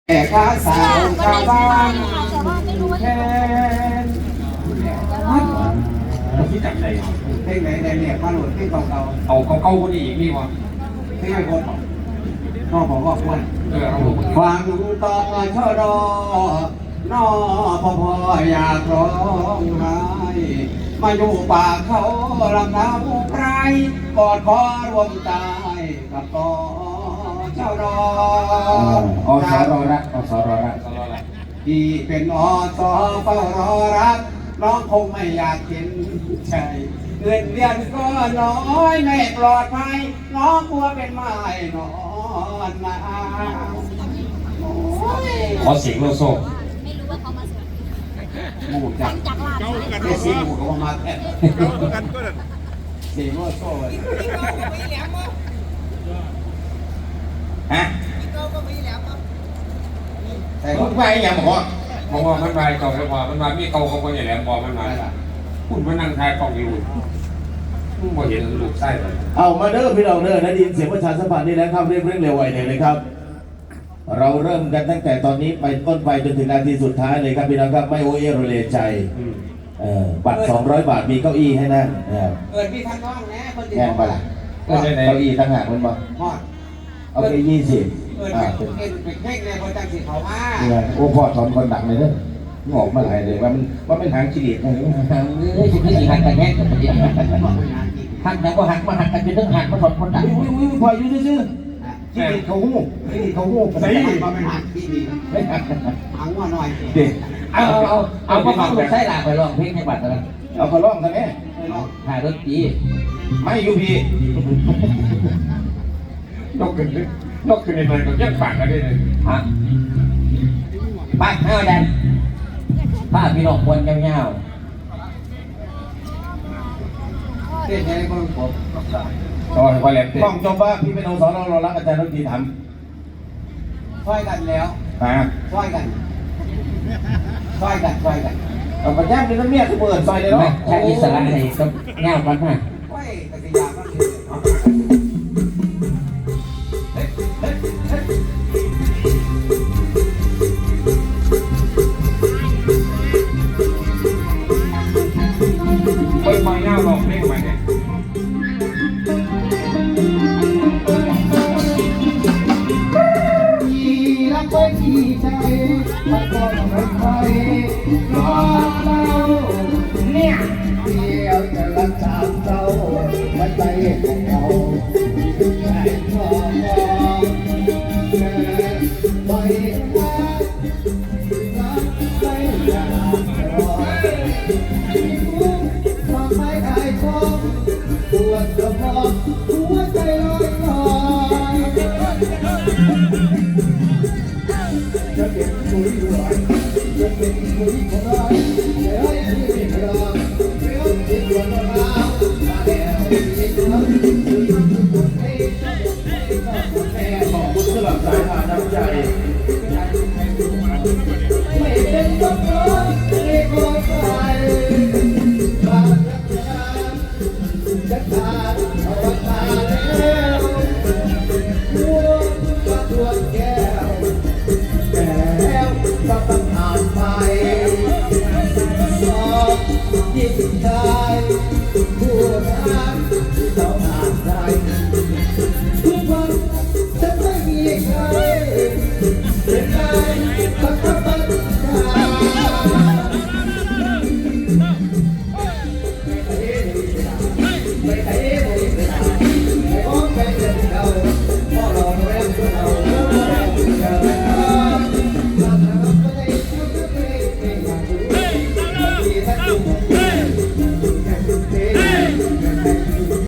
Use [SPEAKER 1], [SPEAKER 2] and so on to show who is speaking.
[SPEAKER 1] แต่ข้าสาวชาวบ้านแทน
[SPEAKER 2] ที่จับใจ
[SPEAKER 1] เพลงไหนเนี่ยข้าหลุดเพลงเก่า
[SPEAKER 2] เอาเก่าคนนี้อีกนี่วะ
[SPEAKER 1] เพลงไม่พ้นพ่อบอกว่าควรฟังต่อชดนอพ่ออยากร้องไห้มาอยู่ป่าเขาลำน้ำไพรกอดคอรวมตายกับต่อเจ้าร
[SPEAKER 2] อสรรักอสรรัก
[SPEAKER 1] ที่เป็นอสเฝ้ารอรักน้องคงไม่อยากเห็นใจเงินเดือนก็น้อยไม่ปลอดภัยน้องกลัวเป็นไม้นอนมา
[SPEAKER 2] ขอเสียงโลโซ่
[SPEAKER 3] ไม่รู้ว่าเขามาสวน
[SPEAKER 1] หมูจักไม่ซีหมูเขามาแค่เสียงโลโซ่
[SPEAKER 2] ฮะ
[SPEAKER 1] แต่
[SPEAKER 2] มันไปอย่างบอกว่ามันไปเก่าแล้วพอมันมามีเก่าเขาคนใหญ่แหลมบอกมันมาคุณมานั่งทายกล่องอยู่มึงบอกเห็นลูกไส้เลย
[SPEAKER 4] เอามาเด้อพี่น้องเด้อได้ยินเสียงประชาสัมพันธ์นี่แล้วครับเร่งเร็วไวเลยครับเราเริ่มกันตั้งแต่ตอนนี้ไปต้นไปจนถึงนาทีสุดท้ายเลยครับพี่น้องครับไม่โอเอโรเลใจบัตร200 บาทมีเก้าอี้ให้นั่ง
[SPEAKER 1] พี่ทางน้องนะคน
[SPEAKER 4] แพงไปละเก้าอี้ตั้งหากมันบ่เอาไป20
[SPEAKER 1] เป็นเพ่งเลยคนจังสิเขามา
[SPEAKER 4] โอ้พ่อสอนคนดังเลยเด้องอกมาหลายเลยว่าเป็นหางชีวิตอะไร
[SPEAKER 5] หางเลยชีวิตหันกันแย่งกันประเดี๋ยวหันแต่ก็หันมาหันกันเป็นเรื่องหันมาสอนคนดัง
[SPEAKER 4] พออยู่ซื่อชีวิตเขาหู
[SPEAKER 1] ใส่มาเป็นหางที่ดีหางว่าหน่อย
[SPEAKER 5] เอาพวกเขาใช้หลากไปลองเพลงในบัตรกัน
[SPEAKER 4] เอาเขาร้องกันไหม
[SPEAKER 5] ถ่ายรถตี
[SPEAKER 4] ไม่อยู่พี่
[SPEAKER 2] นกขึ้นในมันก็ยักปากกันได้เลย
[SPEAKER 5] ฮะไปห้าแดนป้าพี่น้องควรเงา
[SPEAKER 1] เต้นยังไงบ้างผม
[SPEAKER 2] ต่อให้ความแหลมเต้น
[SPEAKER 4] ต้องจบว่าพี่เป็นองค์สอนเรารักอาจารย์ดนตรีท
[SPEAKER 1] ำช่วยกันแล้วช่วยกัน
[SPEAKER 4] เอาไปแย่งเป็นน้ำเมียคือเปิดซอยเลยเนาะ
[SPEAKER 5] ใช้อิสระให้ก็เงากันฮะ
[SPEAKER 1] ช่วยกติยาบ้าง
[SPEAKER 2] ไปหน้าลองเพลงใหม่เนี่ย
[SPEAKER 1] รักไว้ที่ใจมันก็ไม่ไปรอเราเนี่ยเดียวจะรักษาเราไม่ใจของเราใจพอไม่ว่ารักไม่อยากรอทำไมไอ้ชอบปวดกระเพาะหัวใจลอยลอยจะเป็นคุยร้อยจะเป็นคุยคนร้อยเดี๋ยวให้คุยรอเดี๋ยวติดวันราวมาแล้วติดวัน
[SPEAKER 4] ขอบคุณสำหรับสายทานน้ำใจ
[SPEAKER 1] ไม่เป็นต้องร้องไม่ขอใครบางรักจะขาดเอาตาแล้วหัวก็ทวนแก้วแล้วก็ต้องผ่านไปสอบยิ่งได้ผู้รักเราผ่านได้ทุกวันจะไม่มีใครเป็นใครสักคน